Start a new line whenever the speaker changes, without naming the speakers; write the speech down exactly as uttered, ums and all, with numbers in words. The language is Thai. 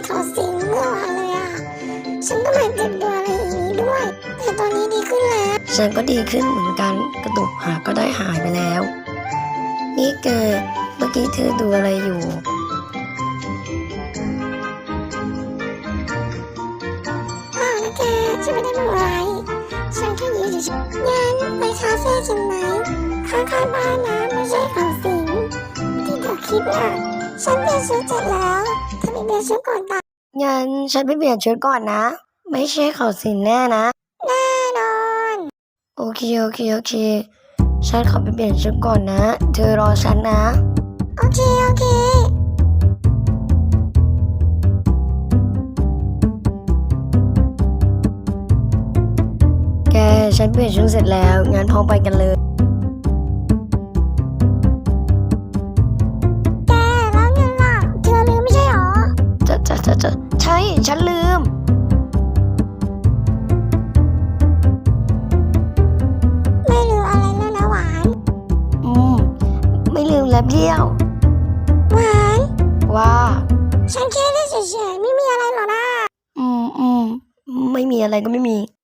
ถอดสิงเมื่อวานเลยอ่ะฉันก็มาเจ็บตัวอะไรอย่างนี้ด้วยแต่ตอนนี้ดีขึ้นแล้ว
ฉันก็ดีขึ้นเหมือนกันกระดูกหักก็ได้หายไปแล้วนี่แกเมื่อกี้เธอดูอะไรอยู่
อ้าวนะแกฉันไม่ได้ทำอะไรฉันแค่ยืนเฉยๆงั้นไปคาเฟ่กันไหมข้างๆบ้านนะไม่ใช่เขาสิงที่เธอคิดนะฉันเปลี่ยนชุดเสร็จแล้วเธอไปเปลี่ยนชุดก่อนตา
งั้นฉันไปเปลี่ยนชุดก่อนนะไม่ใช่เขาสิงแน่นะ
แน่นอน
โอเคโอเคโอเคฉันขอไปเปลี่ยนชุดก่อนนะเธอรอฉันนะ
โอเคโอเค
แกฉันเปลี่ยนชุดเสร็จแล้วงั้นพร้อมไปกันเลย
แกแล้วเงินล่ะเธอลืมไม่ใช่หรอ
จะจะจะจะใช่ฉันลืม
ไม่ลืมอะไรแล้วนะหวาน
อืมไม่ลืมแล้วเบี้ยว
หวาน
ว่า
ฉันแค่ได้เฉยๆไม่มีอะไรหรอกนะ
อืมอืมไม่มีอะไรก็ไม่มี